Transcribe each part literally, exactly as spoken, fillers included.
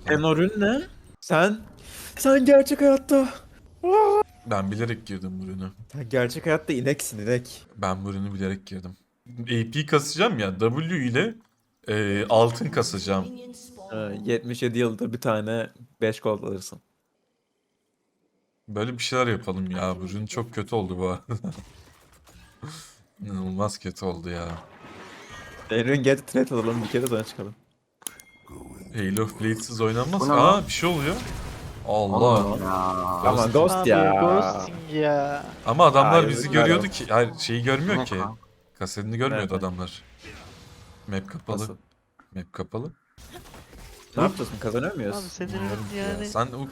Senin o ürün ne? Sen... Sen gerçek hayatta... Ben bilerek girdim bu ürünü. Sen gerçek hayatta ineksin inek. Ben bu ürünü bilerek girdim. A P kasacağım ya. W ile e, altın kasacağım. Ee, yetmiş yedi yıldır bir tane beş gold alırsın. Böyle bir şeyler yapalım ya. Bu ürün çok kötü oldu bu arada. İnanılmaz kötü oldu ya. Eren gel trade alalım bir kere sonra çıkalım. Halo of Blades'siz oynanmaz. Bu ne Aa lan? bir şey oluyor. Allah. Oğlum ya. Ama Ghost Abi ya. ghosting ya. Ama adamlar Aa, bizi yazıklar görüyordu olsun. ki. Hayır şeyi görmüyor Ne ki. kanka? Kasetini görmüyordu Evet. adamlar. Map kapalı. Nasıl? Map kapalı. Ne yapacağız mı? Kazanıyor Abi muyuz? senin Bilmiyorum ki ya. yani Sen o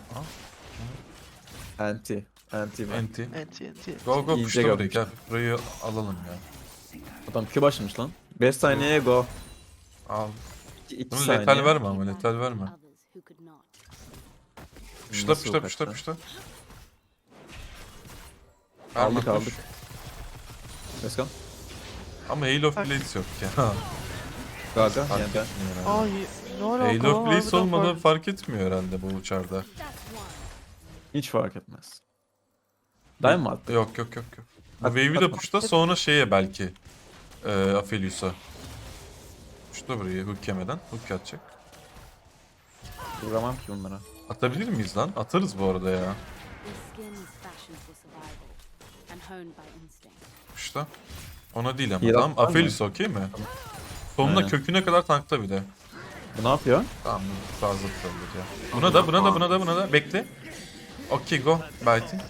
Anti. Anti ben. enti. enti enti. Go go İyice puşla burayı görmüş. gel. Burayı alalım ya. Adam Q başlamış lan. beş saniyeye go. Al. iki Bunu saniye. letal verme ama letal verme. Puşla Nasıl puşla yok puşla hatta? puşla. Aldık Verme, aldık. push. Let's go. Ama Halo of Blades yok ya. Gaga Fark yeniden. etmiyor herhalde. Ay ne alaka? Halo of Blades Harbiden olmadan fark- fark etmiyor herhalde bu uçarda. Hiç fark etmez. Daim mi attı? Yok yok yok yok. Bu At- wave'i de atma. puşla sonra şeye belki. Eee Aphelios'a. Puşla burayı hook yemeden. Hook atacak. Vuramam ki bunlara. Atabilir miyiz lan? Atarız bu arada ya. Puşla. Ona değil ama Heal tamam. atlar mı? Aphelios okey mi? Sonuna Aynen. köküne kadar tankla bir de. Bu ne yapıyor? Tamam bu fazla tutulur ya. Buna da buna da buna da buna da bekle. Okey go. Biting.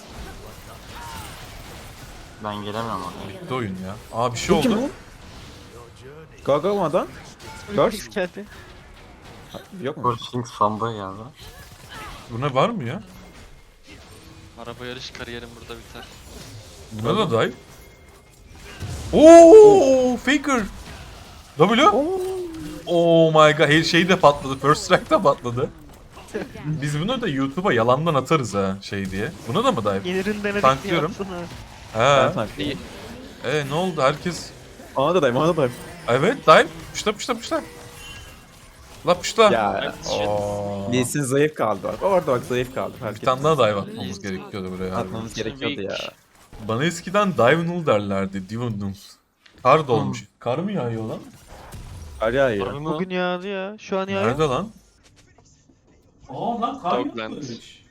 Ben gelemem oraya. Bitti oyun ya. Aa bir şey Bu kim oldu. bu? Gaga olmadan? Ultix geldi. Yok mu? Forcing fanboy geldi. Buna var mı ya? Araba yarış kariyerim burada biter. Buna da dive. Oo Faker. W. Oh my god. Her şey de patladı. First strike de patladı. Biz bunu da YouTube'a yalandan atarız ha şey diye. Buna da mı dive? Gelirin denedik Tanklıyorum. yapsın ha. Ben He. tanklayayım. E ne oldu herkes? Ona da dayım, ona da dayım. Evet dive. Puşla puşla puşla. La puşla. Ya. Oo. Lee Sin zayıf kaldı bak. Orada bak zayıf kaldı. Fark Bir tane etmez. daha dive atmamız gerekiyordu buraya. harbiden. Atmamız gerekiyordu ya. Bana eskiden dive null derlerdi. Dive null. Kar dolmuş. Kar mı yağıyor lan? Kar yağıyor. Harbi mi? Bugün yağdı ya. Şu an yağıyor. Nerede lan? Aa lan kar Dogland. yağmış.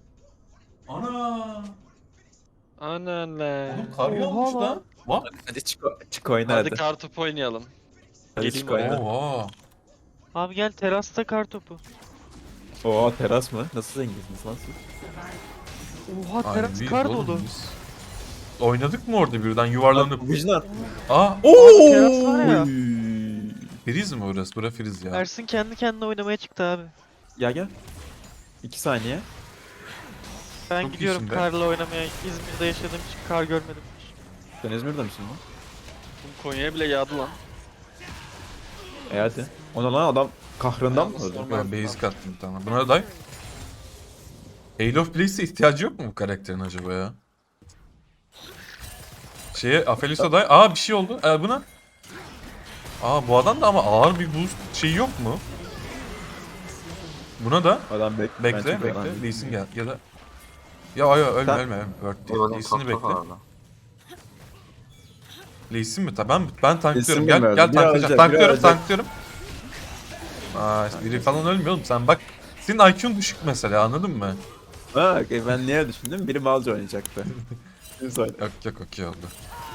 Ana. Anan lan. Oğlum kar Oha yağmış lan. lan. Bak. Hadi çık, çık oyna Hadi hadi. kartopu oynayalım. Hadi geleyim çık oyna. Oha. Abi gel terasta kar topu. Oo teras mı? Nasıl zenginsiniz lan siz? Oha Ay, teras biz kar oğlum dolu. biz. Oynadık mı orada birden yuvarlanıp? Vigilant. Aa. teras var ya. Oo. Friz mi orası? Bura friz ya. Ersin kendi kendine oynamaya çıktı abi. Ya gel. İki saniye. Ben Çok gidiyorum iyisin be. karla oynamaya. İzmir'de yaşadığım için kar görmedim. Sen İzmir'de misin lan? Bu Konya'ya bile yağdı lan. E hadi. Ona lan adam kahrından mı öldü? Ben basic attım bir tane. Buna da dive. Halo of Blades'e ihtiyacı yok mu bu karakterin acaba ya? Şeye Aphelios'a dive. Aa bir şey oldu. Ee, buna. Aa bu adam da ama ağır bir boost şeyi yok mu? Buna da. Adam bek ben Bekle çok bekle. önemli. Lee Sin gel. Ya da. Ya ya ölme Sen- ölme ölme. Word değil. Eyvallah Lee Sin'i top bekle. top orada. Lee Sin mi? Tamam ben tanklıyorum. Sin Gel bilmiyorum. gel Biri tanklayacağım. ölecek, biri Tanklıyorum ölecek. tanklıyorum. Aa işte biri falan ölmüyor oğlum. Sen bak. Senin I Q'un düşük mesela anladın mı? Ha okey, ben niye düşündüm? Biri balcı oynayacaktı. Şimdi söyle. Yok yok okey oldu.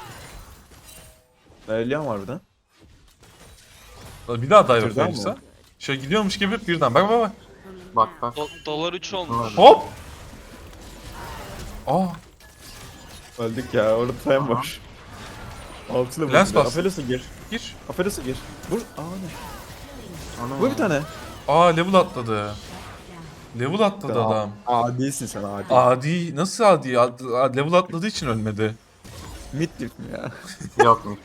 Ölüyor mu harbiden? Bir daha dive Türden Aphelios'a. mi? Şöyle gidiyormuş gibi birden bak bak bak. Bak bak. Do- dolar üç olmuş. Hop! Aa! Öldük ya, orada time var. Altına Lens vurdu. bastı. Aferin gir. Gir. Aferin gir. Vur. Aa ne? Ana Vur ya. bir tane. Aa level atladı. Level atladı Aa, adam. Adisin sen adi. Adi nasıl adi? Ad- ad- Level atladığı için ölmedi. Mid dip mi ya? Yok mu?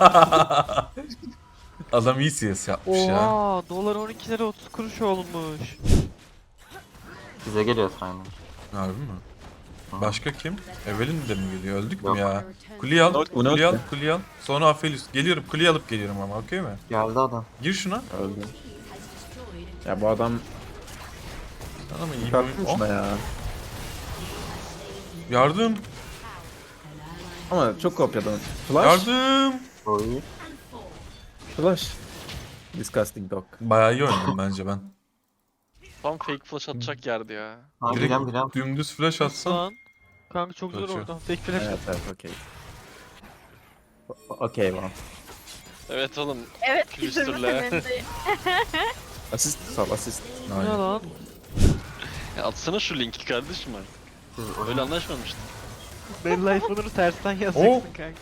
Adam iyi C S yapmış ya. Oha dolar on iki lira otuz kuruş olmuş. Bize geliyor sayın. Harbi mi? Başka kim? Evelyn de mi geliyor? Öldük Yok. mü ya? Kuleyi al, Not- bu kuleyi al, not- kuleyi al. Sonra Aphelios. Geliyorum, kuleyi alıp geliyorum ama okey mi? Geldi adam. Gir şuna. Öldü. Ya bu adam Ama iyi bir kalkmış oyun. da Oh, ya. yardım. Ama çok kopyadan. Flash. Yardım. Oy. Flash. Disgusting dog. Bayağı iyi oynadım bence ben. Tam fake flash atacak yerdi ya. Ha Direkt bilem bilem. dümdüz flash atsam. Lan. Kanka çok zor Kaçıyor. orada. Tek flash. Evet evet okey. O- Okey lan. Evet oğlum. Evet, Külüstürle. bitirme temendeyim. Asist sal asist. Ne Aynen. lan? Ya atsana şu linki kardeşim artık. Siz Öyle oyun. anlaşmamıştık. Belli iPhone'unu tersten yazacaksın kanka.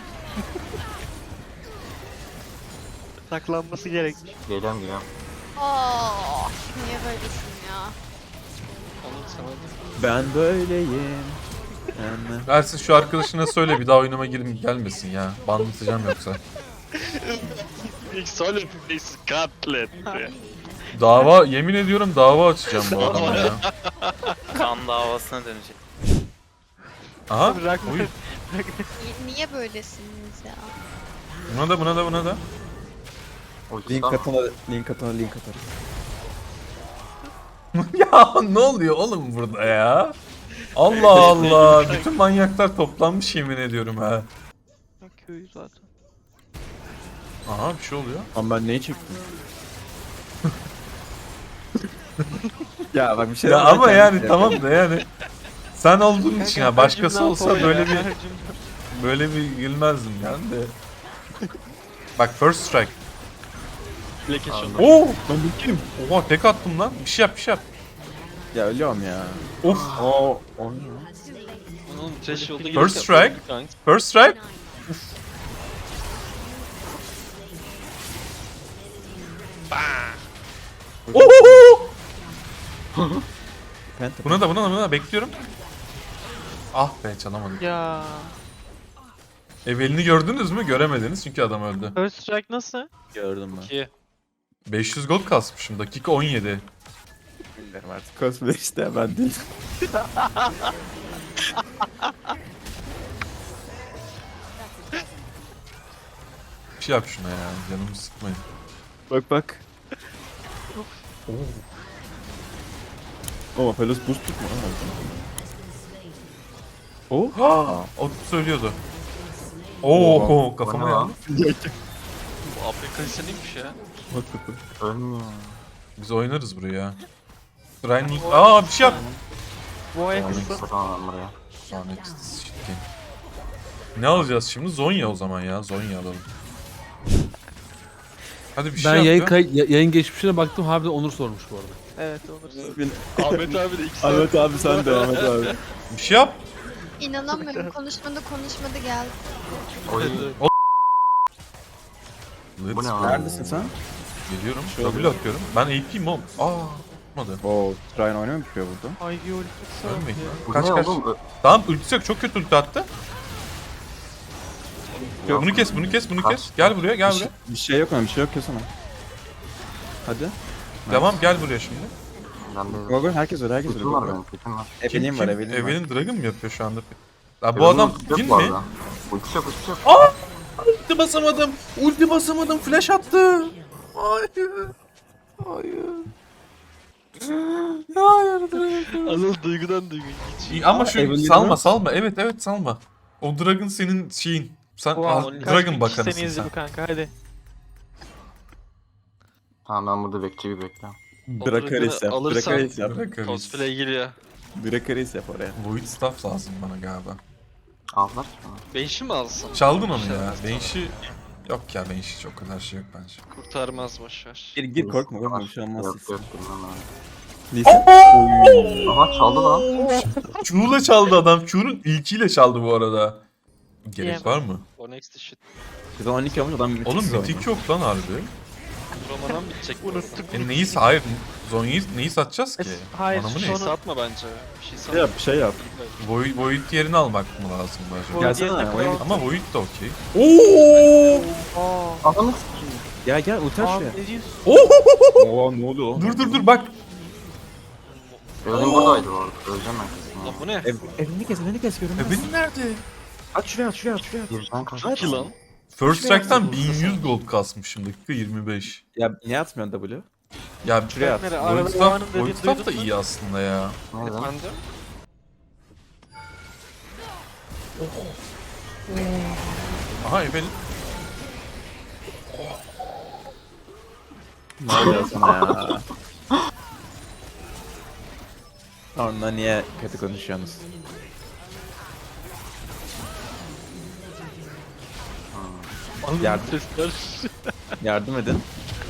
Saklanması gerekmiş. Geliyorum geliyorum. Oh, niye böylesin ya? Onu sana da. Ben böyleyim. Yani. Ersin şu arkadaşına söyle bir daha oyunuma girin gelmesin ya. Banlatacağım yoksa. İlk solid face katlet. Dava yemin ediyorum dava açacağım bu adama ya. Kan davasına dönecek. Aha. Bırak Oy. Ni- Niye böylesiniz ya? Buna da buna da buna da. Ulti Link sal. atana link atana link atarım. Ya ne oluyor oğlum burada ya? Allah Allah. Bütün manyaklar toplanmış yemin ediyorum ha. Köyü zaten. Aha bir şey oluyor. Ama ben neyi çektim? Ya bak bir şey Ya daha ama kendim yani şey tamam da yani. Sen olduğun için ya başkası Cümle olsa oluyor böyle ya, bir her cümle. böyle bir gülmezdim yani de. Bak first strike. Leke şunu. Oo! Lan bu kim? Oha tek attım lan. Bir şey yap bir şey yap. Ya ölüyorum ya. Of. Oo, o ne? Onun trash yolda First strike. First strike. Ohoho! Phantom. Buna da buna da buna da bekliyorum. Ah be çalamadım. Ya. Evelini gördünüz mü? Göremediniz çünkü adam öldü. First strike nasıl? Gördüm ben. İki. beş yüz gold kasmışım. Dakika on yedi. Bilmiyorum artık. Cosplay işte ben değil. Bir şey yap şuna ya. Canımı sıkmayın. Bak bak. Oo. Pelos boost tutma. Oo. Ha, o söylüyordu. Oo, Oha. kafama O ne yandı. Bu Afrika neymiş ya? Bak bak bak. Ölmüyor. Biz oynarız buraya. Ryan Aa bir şey yap. Bu ayak Yani kısa. sıramam ben buraya. Sonra shit game. Ne alacağız şimdi? Zonya o zaman ya. Zonya alalım. Hadi bir şey Ben yap yayın, ya. kay- ya- yayın geçmişine baktım, harbiden Onur sormuş bu arada. Evet olur. Ahmet abi de iki saat. Ahmet abi sen de Ahmet abi. Bir şey yap. İnanamıyorum, konuşmadı konuşmadı geldi. Oy. Let's Bu ne go. lan? Neredesin sen? Geliyorum. W atıyorum. Ben A P'yim oğlum. Aa. Olmadı. Oo. Ryan oynuyor mu yapıyor burada? Ivy ulti kısa. Ölmeyin. Bu Kaç ne kaç. oğlum? Ö- Tamam ultisi yok. Çok kötü ulti attı. Yok. Bunu kes, bunu kes, bunu Kaç? kes. Gel buraya, gel Bir buraya. şey, bir şey yok ama bir şey yok kesene. Hadi. Tamam gel buraya şimdi. Ben de... Go go herkes öyle herkes öyle. Kutum Go var go. benim, kutum var. Evelyn var Evelyn var. Evelyn Dragon mu yapıyor şu anda? Ya bu Evelyn adam ulti yok kim bu mi? arada. Ulti yok, ulti yok. Aa! Ulti basamadım. Ulti basamadım. Flash attı. Hayır. Hayır. Hayır Dragon. Anıl duygudan duygu. İyi, ama şu Evelyn'i salma mi? salma. Evet evet salma. O Dragon senin şeyin. Sen Wow, al, kaç bin Dragon kişi bakanısın seni izledi sen. bu kanka hadi. Tamam ben burada bekçi bir bekliyorum. Drakaris yap. Alırsan- Drakaris yap. Dragon. Cosplay geliyor. Drakaris yap oraya. Void staff lazım bana galiba. Aldılar ki bana. Benşi mi alsın? Çaldın onu ya. Çalmaz. Benşi... Yok ya Benşi çok kadar şey yok bence. Kurtarmaz boşver. Gir gir korkma korkma bir şey olmaz. Yok yok bilmem ben. Lise. Aha çaldı lan. Q'la çaldı adam. Q'nun ilkiyle çaldı bu arada. Gerek Diyemem. var mı? O next shit. Biz on iki olmuş adam mitik Oğlum oynuyor. mitik yok lan harbi. Roman'dan bitecek bu arada. Unuttuk. E neyi hayır Zonya'yı neyi satacağız ki? Es- hayır, Anamı Bir ne? şey Sonra- satma bence. Bir şey Şey satma. yap bir şey yap. Void, Void yerini almak mı lazım acaba? Void Gelsene, yerine oyun kral- Ama Void de okey. Oo! Aa. Ananı sikeyim. Gel gel ulti aç Aa, şuraya. ne diyorsun? Oo ne oluyor lan? Dur dur dur bak. Evelyn buradaydı bu arada. Öleceğim ben kesin Lan ya. bu ne? Ev, evini kes evini kes görünmez. E benim nerede? Aç şuraya aç şuraya aç şuraya. Birden kaç. Çok iyi lan. First Strike'tan bin yüz gold kasmışım dakika yirmi beş. Ya niye atmıyorsun W? Ya Şuraya at. Nereye? Arada Voidstaff, Doğan'ın dediğini Voidstaff da duydun mu? iyi aslında ya. Nereden? Efendim? Aha Evelyn. Ne oluyor sana ya? Sonra niye kötü konuşuyorsunuz? Yardım, Sesler. yardım edin.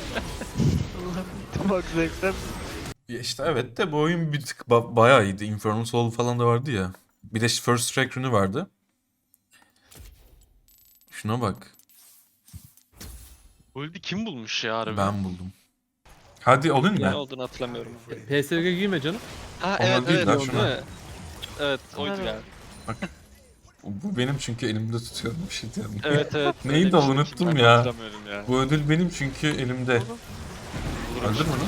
Bak zevkten. Ya işte evet de bu oyun bir tık ba- bayağı iyiydi. Infernal Soul falan da vardı ya. Bir de First Strike Rune'u vardı. Şuna bak. Bu ulti kim bulmuş ya harbi? Ben buldum. Hadi olun Ne mu? olduğunu hatırlamıyorum. P S G giyme canım. Ha Onlar evet değil evet lan, değil şuna. mi? Evet oydu Evet. galiba. Bu benim çünkü elimde tutuyorum bir şey diyorum. Evet evet. Neydi öyle bir o, şey. unuttum Ben de ya. Hatırlamıyorum ya. Bu ödül benim çünkü elimde. Öldür mü lan?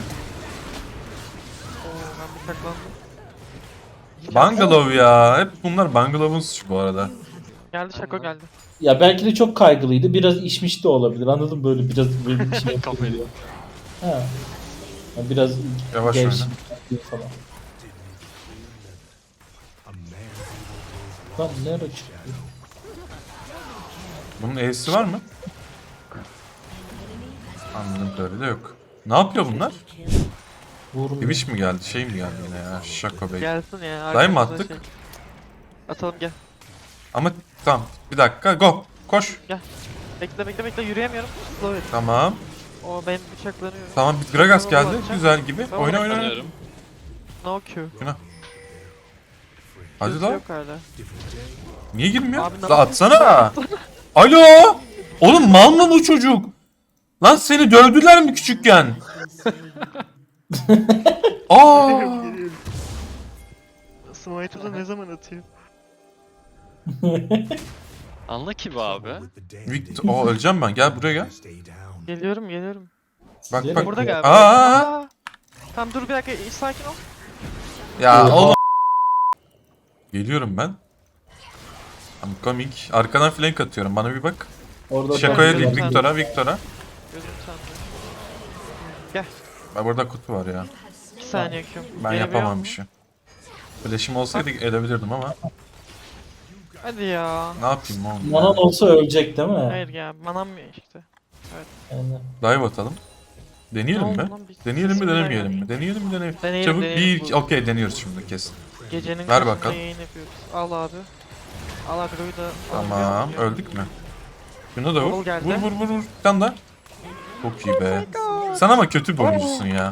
Oo ben bıçaklandım. Bungalow ya. Hep bunlar Bungalow'un suçu bu arada. Geldi Şako geldi. Ya belki de çok kaygılıydı. Biraz içmiş de olabilir. Anladın mı? Böyle biraz benim içine Kafayı. yapıyor. Ha. Ya biraz Yavaş gevşek oyna. yapıyor falan. Lan ne ara çıktı? Bunun E'si var mı? Anladım böyle de yok. Ne yapıyor bunlar? Vurmuyor. Twitch mi geldi? Şey mi geldi yine ya? Şaka Bey. Gelsin ya. Dayı mı arkamızda attık? şey. Atalım gel. Ama tamam. Bir dakika. Go. Koş. Bekle bekle bekle yürüyemiyorum. Slow it. Tamam. O ben bıçaklanıyorum. Tamam. Bir Gragas geldi. Güzel gibi. Tamam, Oyna oyna oyna. Sanıyorum. No Q. Hadi Q'su lan. Yok hala. Niye girmiyor? Abi, ne La atsana. Alo. Oğlum mal mı bu çocuk? Lan seni dövdüler mi küçükken? Aa. Smite'ı da ne zaman atıyor? Anla ki bu abi. Victor. Aa öleceğim ben. Gel buraya gel. Geliyorum geliyorum. Bak Nereye bak. Burada Aa, gel. Aa. Aa. Tamam dur bir dakika sakin ol. Ya Oha. oğlum. Geliyorum ben. I'm coming. Arkadan flank atıyorum. Bana bir bak. Orada Şakoya tam- değil. Victor'a. Victor'a. Gözüm sandı. Bak burada kutu var ya. iki saniye Q. Ben Gelebiliyor yapamam mu? bir şey. Flash'im olsaydı edebilirdim ama. Hadi ya. Ne yapayım oğlum? Manan olsa ölecek değil mi? Hayır ya manam yok işte. Yani. Dive atalım. Deneyelim Ne mi? oldu lan? Bir- Deneyelim mi Bismillah denemeyelim ya. mi? Deneyelim mi deneyelim. Deneyelim, Çabuk deneyelim. bir Bu- okey deniyoruz şimdi kesin. Gecenin Ver kaçında bakalım. yayın yapıyoruz. Al abi. Al agroyu da. Tamam al, öldük mü? Şunu da vur. Bol geldi. Vur vur vur vur. Bir tane daha. Çok iyi be. Sen ama kötü bir oyuncusun ya.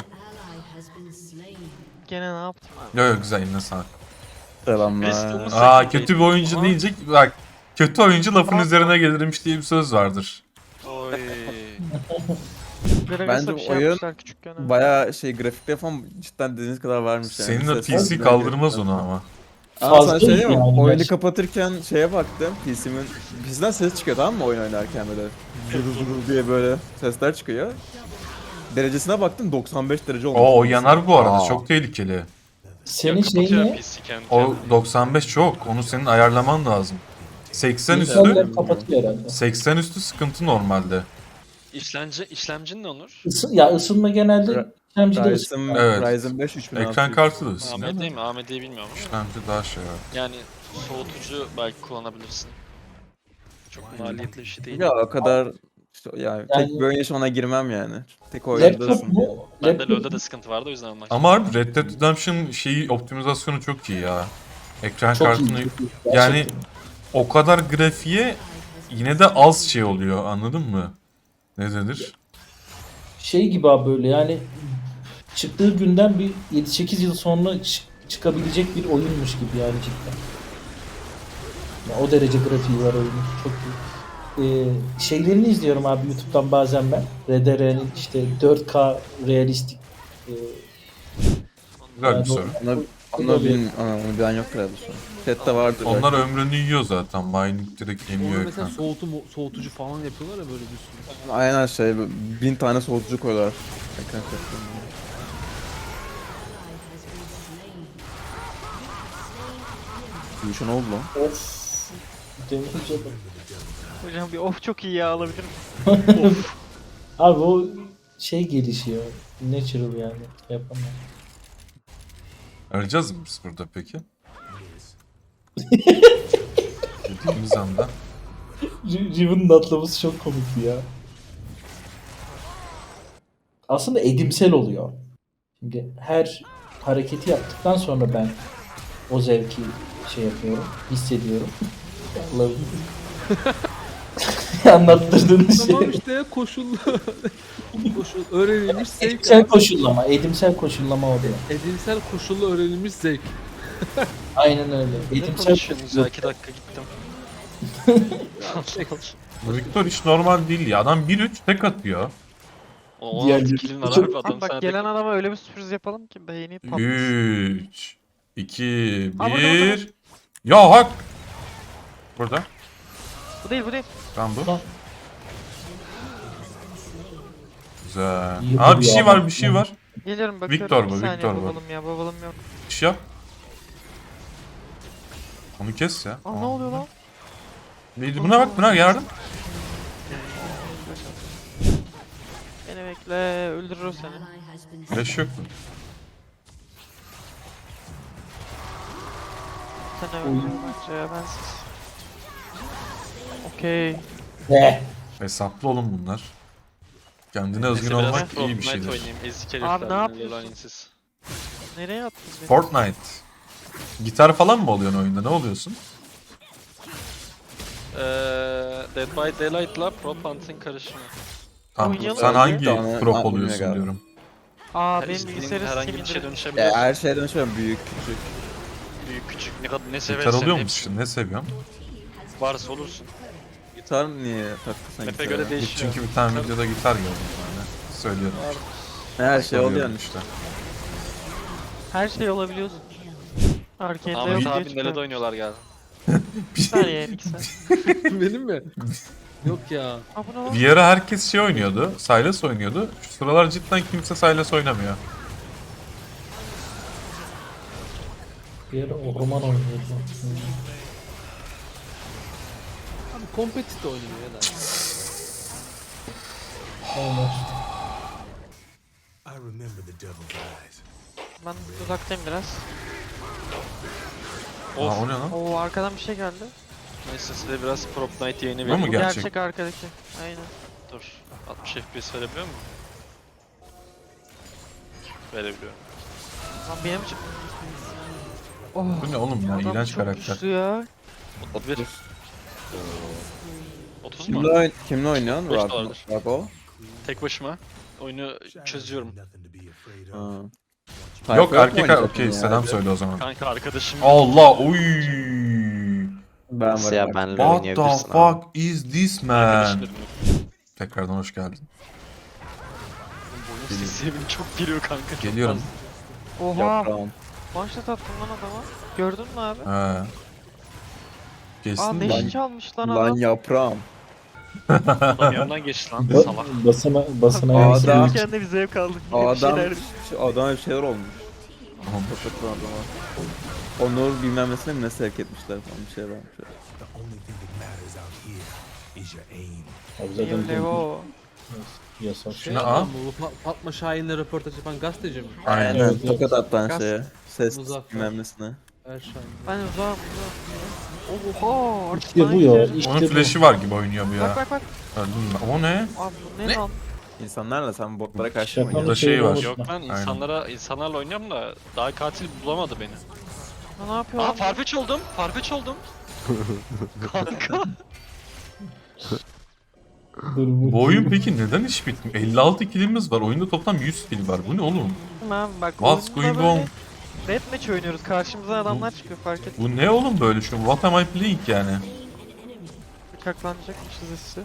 Gene ne yaptım abi? Yo yo güzel eline sağlık. Selamlar. Bristol'un Aa Sakın kötü bir değil. oyuncu Ama- deyince bak. Kötü oyuncu lafın üzerine gelirmiş diye bir söz vardır. Oy. Gragas'a Bence bir şey oyun yapmışlar küçükken. ha. Bayağı şey grafikte falan cidden dediğiniz kadar varmış yani. Senin o Ses- P C kaldırmaz onu ama. Ama Fazla sana söyleyeyim mi? yani Oyunu gerçekten. kapatırken şeye baktım. P C'min P C'den ses çıkıyor tamam mı oyun oynarken böyle. Zuru zuru diye böyle sesler çıkıyor. Derecesine baktım doksan beş derece olmuş. Oo o yanar bu arada Aa. çok tehlikeli. Senin şeyin Kapatıyor ne? P C kendi O kendine. doksan beş çok. Onu senin ayarlaman lazım. seksen üstü Bilgisayarlar kapatıyor herhalde. seksen üstü sıkıntı normalde. İşlemci, işlemcin ne olur? Isı, ya ısınma genelde Ra- işlemcide Ryzen, ısınma. Evet. Ryzen beş üç bin altı yüz. Ekran kartı da ısınıyor. A M D mi? A M D'yi bilmiyorum ama. İşlemci daha şey var. Yani soğutucu belki kullanabilirsin. Çok maliyetli bir şey değil. Ya o kadar işte, yani, tek Yani- bir oyun yaşamına girmem yani. Tek Laptop oyundasın yani. mu? Bende Laptop LoL'da da sıkıntı vardı o yüzden almak. Ama harbi Red Dead Redemption şeyi optimizasyonu çok iyi ya. Ekran çok iyi. kartını çok iyi. yani Gerçekten. o kadar grafiğe yine de az şey oluyor anladın mı? Ne denir? Şey gibi abi böyle yani çıktığı günden bir yedi sekiz yıl sonra çı- çıkabilecek bir oyunmuş gibi yani cidden. Ya o derece grafiği var oyunun. Çok iyi. Ee, şeylerini izliyorum abi YouTube'dan bazen ben. R D R'nin işte dört K realistik e, Güzel yani bir o- soru. Onu, o- onu, bilmiyorum, onu bilen yoktur herhalde şu an. Chat'te vardır. belki. Onlar ömrünü yiyor zaten. Mining direkt Onu emiyor mesela ekran. soğutu, soğutucu falan yapıyorlar ya böyle bir sürü. Aynen şey bin tane soğutucu koyuyorlar. Ekran kartlarına. Bu işe ne oldu lan? Of. Denince de- Hocam bir of çok iyi ya alabilir miyim? Abi o şey gelişiyor. natural yani. Yapamam. Arayacağız mı biz burada peki? Dediğimiz anda. Riven'ın atlaması çok komikti ya. Aslında edimsel oluyor. Şimdi her hareketi yaptıktan sonra ben o zevki şey yapıyorum, hissediyorum. Allah'ım. Anlattırdığınız Tamam şey. işte koşullu. Koşul öğrenilmiş zevk. Edimsel koşullama, edimsel koşullama oluyor. Edimsel koşullu öğrenilmiş zevk. Aynen öyle. Ne Edimsel konuşuyorsunuz ya? iki dakika gittim. Bu Victor hiç normal değil ya. Adam bir üç tek atıyor. O Diğer- on altı kilin var Çok- abi adam Abi bak sana gelen tek... adama öyle bir sürpriz yapalım ki beyni patlasın. üç, iki, Aa, burada, bir. Ya hak! Burada. Bu değil bu değil. Tamam bu. Tamam. Güzel. İyi Aa bir duruyor şey ama. var bir şey var. Geliyorum bakıyorum. Victor Bir bu, saniye, Victor bu. babalım ya babalım yok. Bir şey yap. Onu kes ya. Aa ne oluyor lan? Bir- Buna bak buna yardım. Beni bekle öldürür o seni. Flash yok mu? Sen öldürür bence ya bensiz. Okey. Ne? Hesaplı olun bunlar. Kendine Neyse, özgün biraz olmak iyi bir Fortnite şeydir. oynayayım. Ezik Abi, herifler. ne beni, yapıyorsun? lanetsiz. Nereye attın beni? Fortnite. Gitar falan mı oluyorsun oyunda? Ne oluyorsun? Eee Dead by Daylight'la Prop Hunt'ın karışımı. Tamam. Oynayalım. Sen Öyle hangi de ona- prop ha, oluyorsun bilmiyorum. diyorum. Aa Her benim istediğin bilgisayarı herhangi Steam bir şeye indirim. dönüşebilir. Ya her şeyden dönüşüyorum, büyük küçük. Büyük küçük ne kadar ne Gitar seversen oluyor hepsi musun? Ne seviyorsun? varsa olursun. Gitar niye taktın sen Map'e gitara? göre değişiyor. Çünkü bir tane Gitar- videoda gitar gördüm yani. Söylüyorum. Her şey oluyor Soruyorum yani. işte. Her şey olabiliyorsun. Arcade'de Ahmet yok diye abi çıkıyor. nelede oynuyorlar geldi. Bir saniye bir saniye. Benim mi? Yok ya. Aa bu ne lan? Bir ara herkes şey oynuyordu. Sylas oynuyordu. Şu sıralar cidden kimse Sylas oynamıyor. Bir ara orman oynuyordum. Abi kompetitif oynuyor ya da. Aynen. Ben uzaktayım biraz. Aa o ne lan? Oo arkadan bir şey geldi. Neyse size biraz Prop Night yayını Bu mu vereyim. Bu Gerçek. gerçek, arkadaki. Aynen. Dur. altmış F P S verebiliyor mu? Verebiliyorum. Lan benim için. Oh. Bu ne oğlum ya? Adam İğrenç çok karakter. güçlü ya. otuz bir. otuz mu? Kimle, oyn kimle oynuyorsun? Beş Rab- dolardır. Rabo? Tek başıma. Oyunu çözüyorum. Ha. Yok Tayfa mu erkek oynayacaksın okey ya? selam söyle o zaman. Kanka arkadaşım. Allah uy. Ben Nasıl varım. ya bak. benle What the oynayabilirsin abi. fuck is this man? Arkadaşlarım. Tekrardan hoş geldin. Boyun sesi çok geliyor kanka. çok Geliyorum. fazla. Oha. Yaprağım. One-shot attım lan adama. Gördün mü abi? He. Aa Kestin deşi mi? çalmış lan Lan adam. yaprağım. Adam yanından geçti lan Ba- salak. basına basına Adam- yansıyor. Adam kendi bir zevk aldık. O Bir adam, şeyler- şu adama bir şeyler olmuş. Kapatın adama. Onur bilmem nesine mi ne sevk etmişler falan bir şey varmış. Abi zaten Benim Lego. yasak. Şey Ne, adam bu Fa- Fatma Şahin'le röportaj yapan gazeteci mi? Aynen. Evet, Evet, tokat attan Gaz- şeye. Ses Muzaffer. bilmem nesine. Her Şahin. Ben uzağım uzağım. Oha artık İşte bana bu ya. gidiyor. İşte Onun bu. flash'i var gibi oynuyor bu Bak ya. bak bak. Öldüm ben. O ne? Abi bu ne, lan? İnsanlarla sen botlara karşı mı Şakanın oynuyorsun? Burada şey var. şeyi Yok lan insanlara insanlarla oynuyorum da daha katil bulamadı beni. Lan ne yapıyor Aa lan? farfetch oldum. Farfetch oldum. Kanka. Dur, bu- Bu oyun peki neden hiç bitmiyor? elli altı killimiz var. Oyunda toplam yüz kill var. Bu ne oğlum? Abi bak What's oyunda going on? böyle Deathmatch oynuyoruz. Karşımıza adamlar çıkıyor fark et. Bu ne oğlum böyle şu? What am I playing yani? Bıçaklanacakmışız hissi.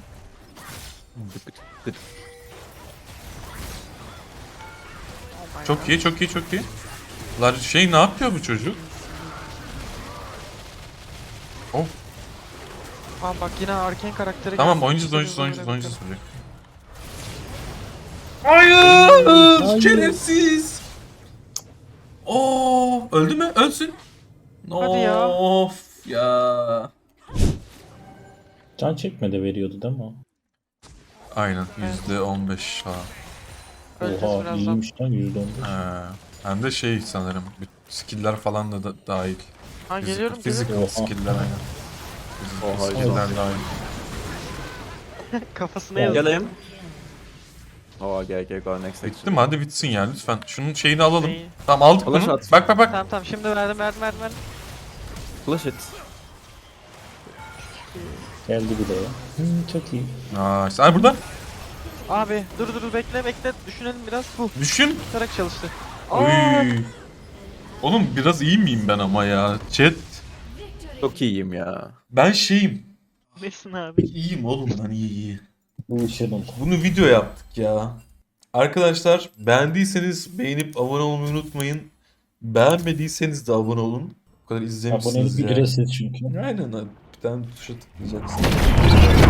Oh my Çok iyi, çok iyi, çok iyi. Lan şey ne yapıyor bu çocuk? Oh, God. Aa bak yine Arcane karakteri tamam geldi. oynayacağız, İşte oynayacağız, biz oynayacağız, böyle oynayacağız çocuk. Hayır, Hayır. şerefsiz. Oo, öldü mü? Ölsün. Hadi ya. Of ya. Can çekme de veriyordu değil mi o? Aynen yüzde on beş ha. Öleceğiz Oha birazdan. iyiymiş lan yüzde on beş. Ha. Hem de şey sanırım. bir Skill'ler falan da, da dahil. Ha Physical- geliyorum Physical geliyorum. skill'ler aynen. Physical Oha, skill'ler dahil. Kafasına yazıyor. Geleyim. Oh, gel gel go next Bitti section. mi? Hadi bitsin ya lütfen. Şunun şeyini alalım. Neyi? Tamam aldık Flash bunu. at. Bak bak bak. Tamam tamam şimdi verdim verdim verdim verdim. Flash it. Geldi bir de ya. Hı, çok iyi. Nice. Ay burada. Abi dur dur dur bekle bekle düşünelim biraz. Bu Düşün. tutarak çalıştı. Aa, Oy. Oğlum biraz iyi miyim ben ama ya? Chat. Çok iyiyim ya. Ben şeyim. nesin abi? İyiyim oğlum ben iyi iyi. Bu ışınıl. Bunu video yaptık ya. Arkadaşlar beğendiyseniz beğenip abone olmayı unutmayın. Beğenmediyseniz de abone olun. Bu kadar izlemişsiniz Abonelik ya. ücretsiz çünkü. Aynen abi. Bir tane tuşa tıklayacaksın.